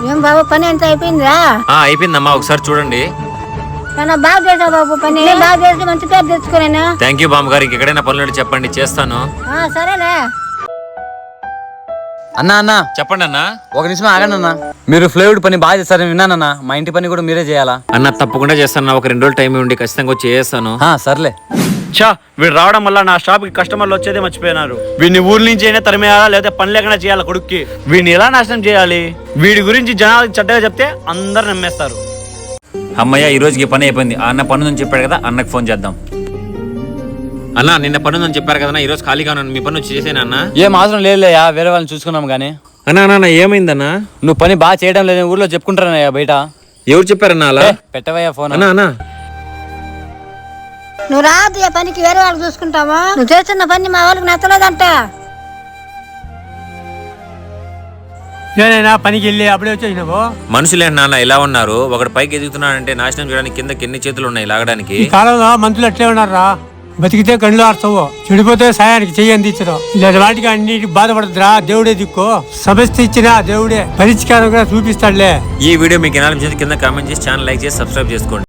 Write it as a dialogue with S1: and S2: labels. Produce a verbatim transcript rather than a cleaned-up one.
S1: ఏం బాబు పని ఎంత అయిపోయిందా?
S2: అయిపోయిందమ్మా, ఒకసారి చూడండి.
S1: బాగా చేసావు బాబు పని, బాగా చేసి మంచి పేరు తెచ్చుకోలేనా?
S2: థ్యాంక్ యూ బామ్మ గారు. ఇంకెక్కడైనా పనులు చెప్పండి, చేస్తాను.
S1: సరేలే
S3: అన్నా అన్నా
S2: చెప్పండి అన్న.
S3: ఒక నిమిషం ఆగండి అన్న. మీరు ఫ్లైవుడ్ పని బాగా చేస్తారని విన్నానన్నా. మా ఇంటి పని కూడా మీరే చేయాలా?
S2: అన్న తప్పకుండా చేస్తాను. ఒక రెండు రోజులు టైం ఉండి ఖచ్చితంగా వచ్చి చేస్తాను.
S3: సర్లే.
S4: చా వీడు రావడం వల్ల నా షాప్ కి కస్టమర్లు వచ్చేదే మర్చిపోయినారు. వీడిని ఊరి నుంచి అయినా తరిమేయాలా, లేదా పని లేకుండా చేయాలా కొడుక్కి. వీడిని ఎలా నాశనం చేయాలి? వీడి గురించి జనాలకు చెడ్డగా చెప్తే అందరు నమ్మేస్తారు.
S5: అమ్మయ్య, ఈ రోజుకి పని అయిపోయింది. అన్న పని నుంచి చెప్పాడు కదా, అన్నకు ఫోన్ చేద్దాం.
S2: అన్న నిన్న పని ఉందని చెప్పారు కదా, ఈ రోజు ఖాళీగా ఉన్నాను. మీ పని వచ్చి చేసేనా అన్న?
S3: ఏం అవసరం లేదులేయా, వేరే వాళ్ళని చూసుకున్నాం గానీ.
S2: అన్నా అన్న ఏమైందన్నా?
S3: నువ్వు పని బాగా చేయడం లేదని ఊర్లో చెప్పుకుంటారనయ్యా బయట.
S2: ఎవరు చెప్పారన్నా అలా?
S3: పెట్టవయ్యా ఫోన్.
S2: అన్నా అన్నా
S1: నువ్వు రాదు ఆ పనికి, వేరే వాళ్ళకి చూసుకుంటావా? నువ్వు చేస్తున్న పని మా వాళ్ళకి నచ్చలేదంట.
S6: నేనైనా పనికి వెళ్ళి అప్పుడే వచ్చేసినావు.
S2: మనుషులే నాన్న ఇలా ఉన్నారు. ఒకటి పైకి ఎదుగుతున్నాడంటే నాశనం చేయడానికి కింద ఎన్ని చేతులు ఉన్నాయి లాగడానికి.
S6: ఈ కాలంలో మనుషులు అట్లే ఉన్నారా? బతికితే కళ్ళు ఆర్చవు, చెడిపోతే సాయానికి చెయ్యి అందించడం. ఇలాంటి వాటికి అన్నిటికి బాధపడదురా, దేవుడే దిక్కు. సమస్య ఇచ్చినా దేవుడే పరిష్కారం కూడా చూపిస్తాడులే.
S2: ఈ వీడియో మీకు ఎలా అనిపించింది కింద కామెంట్ చేసి ఛానల్ లైక్ చేసి సబ్స్క్రైబ్ చేసుకోండి.